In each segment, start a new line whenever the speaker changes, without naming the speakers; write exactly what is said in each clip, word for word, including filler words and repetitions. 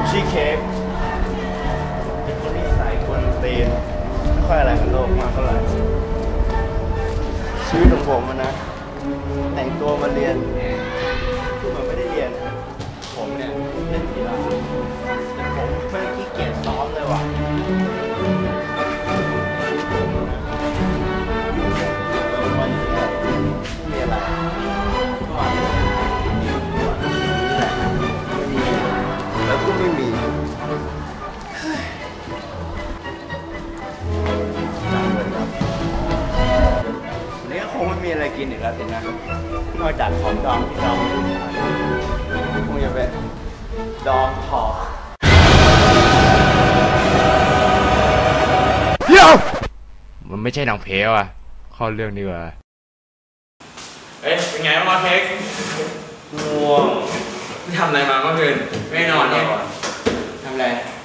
ชีเค้กเป็นคนนิสัยคนตีนไม่ค่อยอะไรกับโลกมากเท่าไหร่ชีวิตของผมมันนะแต่งตัวมาเรียนคือมันไม่ได้เรียนผมเนี่ยเล่นกีฬาแต่ผมไม่ขี้เกียจซ้อมเลยว่ะวันนี้มีอะไรวันนี้ไม่มีแล้วก็ไม่มีวันนี้คงไม่มีอะไรกินอีกแล้วสินะนอกจากของดองที่เราคงจะเป็นดองทอ
เดี๋ยวมันไม่ใช่หนังเพลว่ะเข้าเรื่องดีกว่า
เอ๊ะเป็นไงบ้างเค้ก
ง่วง
ทำอะไรมาเมื่อคืนไม่นอนเนี่ยทำอะไร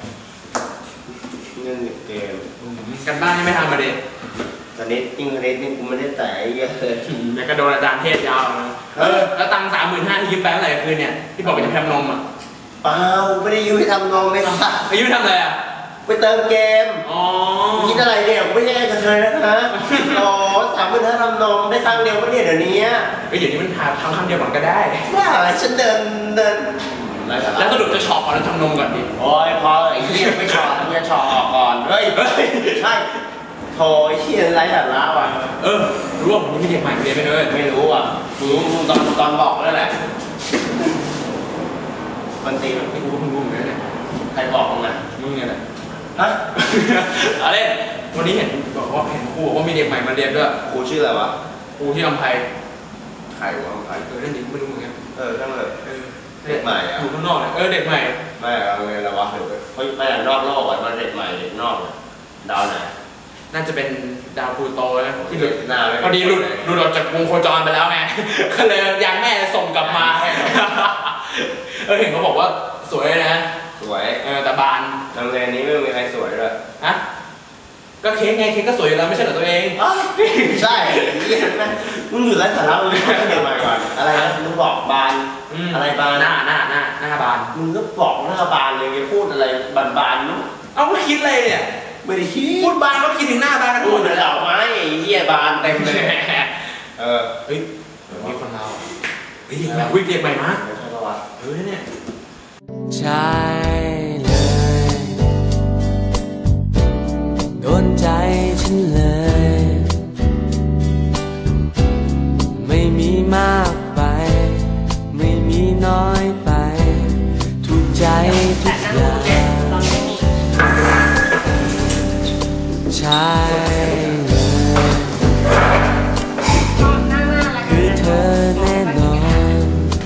เล่นเกม
กันบ้านยังไม่ทำมาดิ
ตอนนี้ยิ่งเล่นนี่กูไม่ได้แต่เยอะเลย
แต่ก็โดนอาจารย์เทศยาวนะเออแล้วตังค์สามหมื่นห้าที่ยืมไปเมื่อไหร่คืนเนี่ยที่บอกว่าจะทำนมอ่ะ
เปล่าไม่ได้ยืมไปทำนมเลยค่ะ
ไปยืมทำอะไรอ่ะ
ไปเติมเกม
อ๋อ
คิดอะไรเนี่ยไม่ใช่กระเทยนะคะอ๋อสามหมื่นห้าทำนมได้ครั้งเดียวก็เนี่ยเดี๋ยวนี้
ไอ้เดี๋ยวนี้มันทำทำครั้งเดียวก่อนก็ได้
ว่าอะไรฉันเดินเดิน
แล้วสรุปจะช็อปก่อนแล้วทำนมก่อนดิ
โอ้ยพอไอ้เหี้ยไม่ช็อปมึงจะช็อปออกก่อนเฮ้ยเฮ้ยใช่โถไอ้เหี้ยไร้สาระว่ะ
เออรู้ว่าผมมีเด็กใหม่เรียนไปเลย
ไม่รู้อ่ะรู้ตอนตอนบอกแล้วแหละมันตีมัน
ไม่รู้ว่ามึงรู้เหมือนกันเนี่ย
ใครบอกมึงอ่ะ
มึงเนี่ยแหละ
ฮะ
อะไรวันนี้เห็นบอกว่าเห็นครูบอกว่ามีเด็กใหม่มาเรียนด้วย
ครูชื่ออะไรวะ
ครูที่อำไพ
ใครวะอำไพ
เออเรื่องนี้ไม่รู้เหมือนกัน
เออช่างเลยเด็กใหม่อ่ะ
อยู่ข้างนอกเนี่ยเออเด็กใหม่
ไม่เอาไงละวะเฮ้ยไม่นอกโลกอ่ะมันเด็กใหม่เด็กนอกดาวไหน
น่าจะเป็นดาวพลูโตนะที่หลุด
หน้า
พอดีหลุดหลุดออกจากวงโคจรไปแล้วไงก็เลยยังแม่ส่งกลับมาเออเห็นเขาบอกว่าสวยนะ
สวย
เออแต่บาน
โรงเรียนนี้ไม่มีใครสวยเลย
ฮะก็เค้กไงเค้กก็สวยอยู่แล้วไม่ใช่เหรอตัวเอง
ใช่เห็นไหมมึงอยู่ไร้สาระมึงไม่เกี่ยวอะไรก่อนอะไรนะมึงบอกบานอะไรบาน
หน้าหน้าหน้าหน้าบาน
มึงก็บอกหน้าบานเลยพูดอะไรบานบานมั้ง
เอาก็คิดอะไรเนี่ย
ไม่ได้คิด
พูดบานก็คิดถึงหน้าบานกัน
พูดเลยเหล่าไม้เหี้ยบานเต็มเลยเออ
เฮ้ยมีคนเราเฮ้ยแบบวิ่งเด็กใหม่มาเฮ้ยเนี่ย
ใช่เลยโดนใจฉันเลยไม่มีมากไปไม่มีน้อยไปถูกใจทุกอย่างใช่เลยคือเธอแน่นอน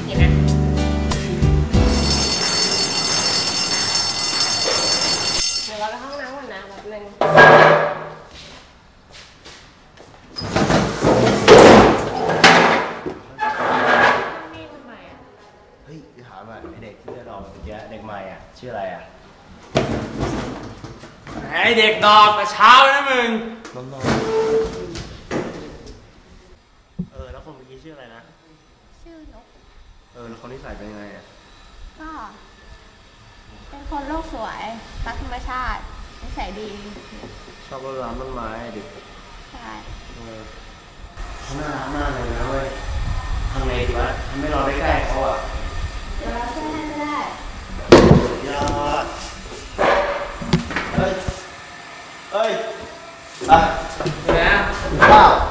เราไปห้องน้ำก่อนนะแบบนึงนี่ทำไมอ่ะ
เฮ้ยถามหน่อยไอเด็กที่จะรอเมื่อกี้เด็กใหม่อ่ะชื่ออะไรอ่ะ
ไอเด็กดอกแต่เช้านะมึง
น้องเออแล้วคนเมื่อกี้ชื่ออะไรนะ
ชื่อนก
เออแล้วคนที่ใส่เป็นยังไงอ่ะ
ก็เป็นคนโลกสวยรักธรรมชาตินิสัยดี
ชอบรดน้ำต้นไม้ดิ
ใช่
เออเขาน่ารักมากเลยนะเว้ยทำไงดีวะทำให้เราได้ใกล้เขาอ่ะ
เดี๋ยวเราช่วยให้ก็ได้
ยอดเฮ้ยเฮ้ยอ่ะ
นะ
ว้าว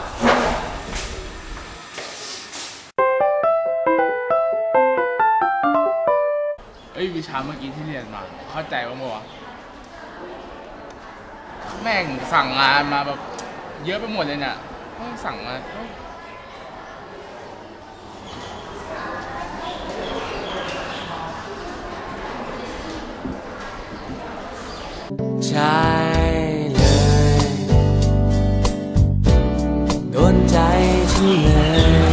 เอ้ยวิชาเมื่อกี้ที่เรียนมาเข้าใจว่ามั้งแม่งสั่งงานมาแบบเยอะไปหมดเลยเนี่ยต้องสั่งมา
ใช่เลยโดนใจฉันเลย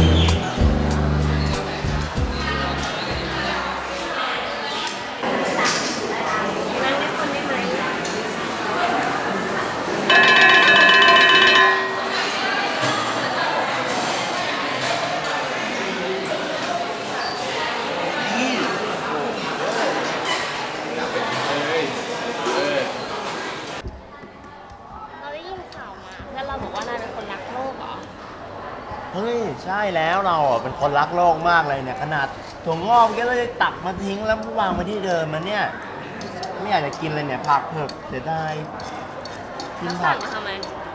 แล้วเราอ่ะเป็นคนรักโลกมากเลยเนี่ยขนาดถั่วงอกก็เลยตักมาทิ้งแล้ววางไว้ที่เดิมมันเนี่ยไม่อยากจะกินเลยเนี่ยผักเผือกเสียดายกิน
แล้ว
ผั
สั่
ก
งมาทำไม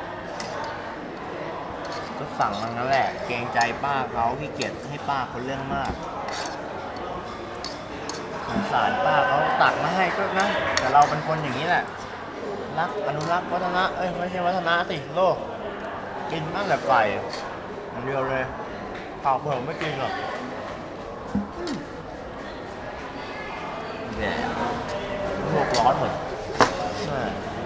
ก็สั่งมันนั่นแหละเกรงใจป้าเขาขี้เกียจให้ป้าคนเรื่องมากสงสารป้าเขาตักมาให้ก็นะแต่เราเป็นคนอย่างนี้แหละรักอนุรักษ์วัฒนะเอ้ยไม่ใช่วัฒนะสิโลกกินตั้งแต่ไก่มันเดียวเลยผักเผือกไม่กินหรอกเนี่ยโลกร้อนหมดใช่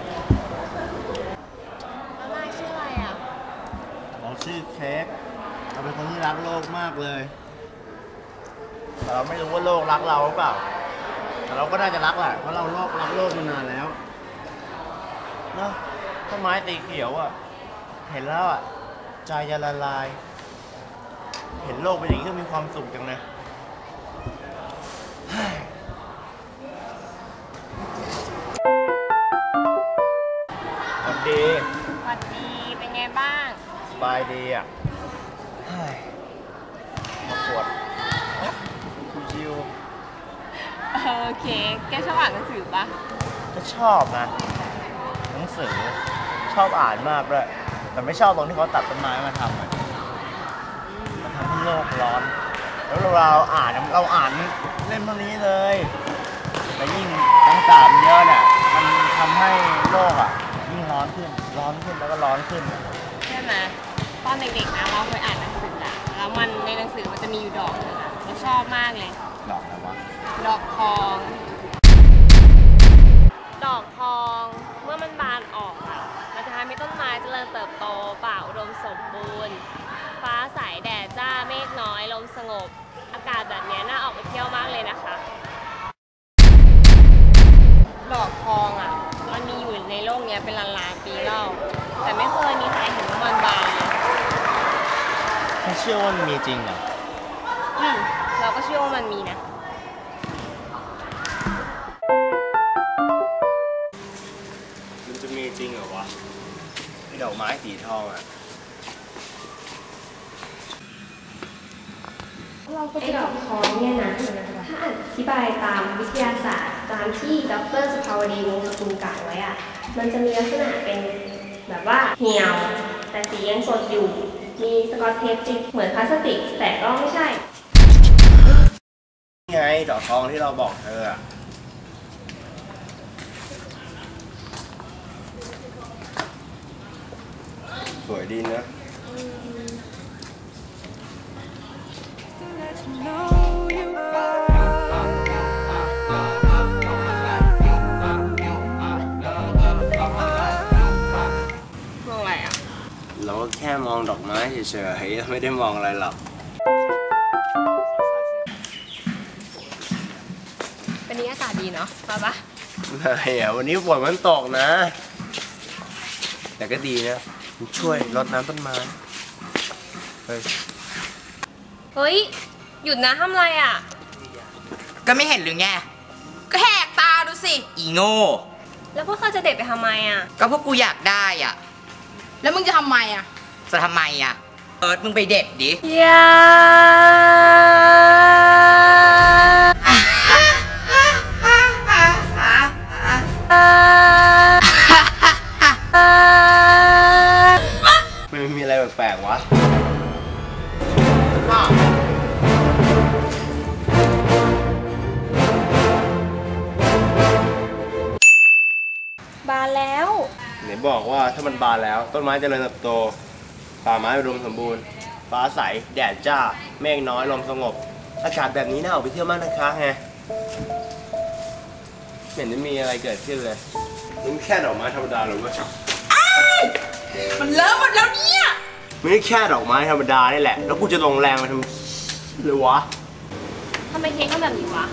แล้วนายชื่ออะไรอ่ะ
เราชื่อเค้กเราเป็นคนที่รักโลกมากเลยแต่เราไม่รู้ว่าโลกรักเราหรือเปล่าแต่เราก็น่าจะรักแหละเพราะเราโลกรักโลกมานานแล้วเนาะต้นไม้สีเขียวอ่ะเห็นแล้วอ่ะใจจะละลาย เห็นโลกเป็นอย่างนี้ก็มีความสุขจังเลยสวัสดี
สวัสดี เป็นไงบ้าง
สบายดีอ่ะเฮ้ยมาปวดชิว
เออโอเคแกชอบอ่านหนังสือปะ
ๆก็ชอบนะหนังสือชอบอ่านมากเลยแต่ไม่ชอบตรงที่เขาตัดต้นไม้มาทำอะมันทำให้โลกร้อน แล้วเราอ่านเราอ่านเล่มเท่านี้เลยแต่ยิ่งต่างๆเยอะเนี่ยมันทำให้โลกอ่ะยิ่งร้อนขึ้นร้อนขึ้นแล้วก็ร้อนขึ้น
ใช่ไหมตอนเด็กๆนะเราเคยอ่านหนังสืออะแล้วมันในหนังสือมันจะมีอยู่ดอกหนึงอะเราชอบมากเลย
ดอกอะไรวะ
ดอกทอง ดอกทองเมื่อมันบานออกอะมันจะทำให้ต้นไม้เจริญเติบโตป่าอุดมสมบูรณ์ ฟ้าใสแดดจ้าเมฆน้อยลมสงบ อากาศแบบนี้น่าออกไปเที่ยวมากเลยนะคะ ดอกทองอะมันมีอยู่ในโลกนี้เป็นล้านๆปีแล้ว แต่ไม่เคยมีใครเห็นว่ามันบานเลย
ไม่เชื่อว่ามันมีจริงเหรอ
อืมเราก็เชื่อว่ามันมีนะ
มันจะมีจริงเหรอวะไอ้ดอกไม้สีทองอ่ะ
ไอ้ดอกทองเนี่ยนะถ้าอธิบายตามวิทยาศาสตร์ตามที่ดรสุภาวดีวงศ์สกุลกล่าวไว้อะมันจะมีลักษณะเป็นแบบว่าเหี่ยว แต่สียังสดอยู่ มีสกอตเทปติดเหมือนพลาสติก แต่ก็ไม่ใช่
นี่ไงดอกทองที่เราบอกเธออะสวยดีนะ
มองอะไรอ่ะ
เราก็แค่มองดอกไม้เฉยๆไม่ได้มองอะไรหรอก
เป็นนี้อากาศดีเนาะมาปะ
ไม่อะวันนี้ฝนมันตกนะ แต่ก็ดีนะมันช่วยรดน้ำต้นไม้เฮ้ย
เฮ้ย หยุดนะทำอะไรอ่ะ
ก็ไม่เห็นหรือไง ก็แหกตาดูสิ อีโง่
แล้วพวกเขาจะเด็ดไปทำไมอ่ะ
ก็พวกกูอยากได้อ่ะ
แล้วมึงจะทำไมอ่ะ
จะทำไมอ่ะ เอิร์ธมึงไปเด็ดดิ
อย่า
มันมีอะไรแปลกๆวะ
บานแล้ว
ไหนบอกว่าถ้ามันบานแล้วต้นไม้เจริญเติบโตป่าไม้อุดมสมบูรณ์ฟ้าใสแดดจ้าเมฆน้อยลมสงบอากาศแบบนี้น่าออกไปเที่ยวมากนะคะไงไม่เห็นจะมีอะไรเกิดขึ้นเลยมันแค่ดอกไม้ธรรมดาหรือว่า
มันเลิกหมดแล้วเนี่ย
ไม่แค่ดอกไม้ธรรมดานี่แหละแล้วกูจะลงแรงมาทำหรือวะ
ทำไมเค้กทำแบบนี้วะ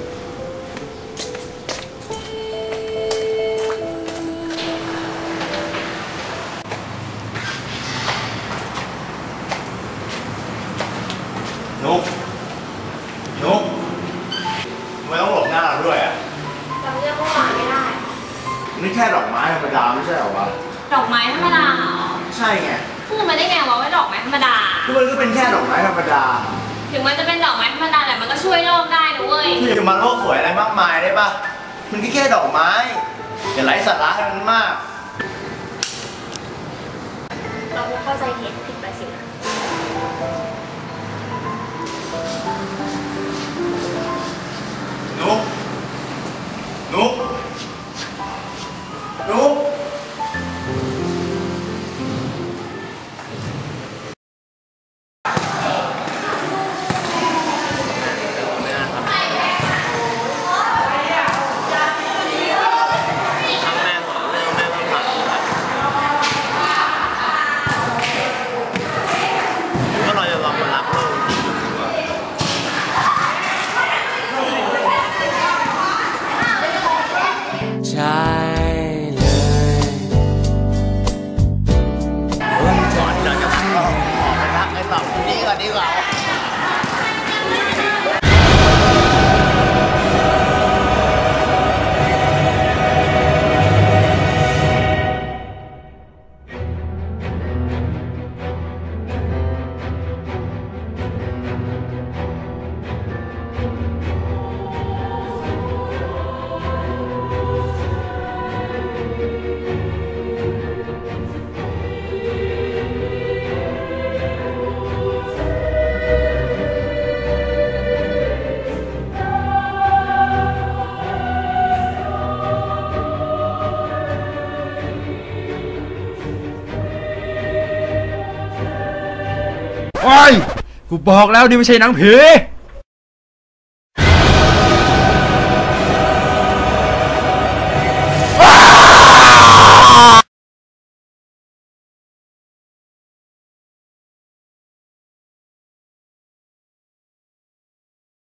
นุกนุกทำไมต้องหลบหน้าเราด้วยอ่ะ
จำเรื่องเมื่อวานไม่ได้
นี่แค่ดอกไม้ธรรมดาไม่ใช่เหรอวะ
ดอกไม้ธรรมดาเหรอ
ใช่ไง
พูดมาได้ไงวะว่าดอกไม้ธรรมดา
ก็มันก็เป็นแค่ดอกไม้ธรรมดา
ถึงมันจะเป็นดอกไม้ธรรมดาแต่มันก็ช่วยโลกได้นะเว้ย
ที่จะมาโลกสวยอะไรมากมายได้ปะมันก็แค่ดอกไม้อย่าไร้สาระให้มันมาก
เราเข้าใจเหตุผิดไปสินะ
นุ๊กนุ๊กนุ๊ก
ใช่เลยวัน
ก่
จั
อน
นทร์
เราจะออกไปรักไอ้สองคนนี้ก่อนดีกว่า
โอ้ยกูบอกแล้วนี่ไม่ใช่หนังผี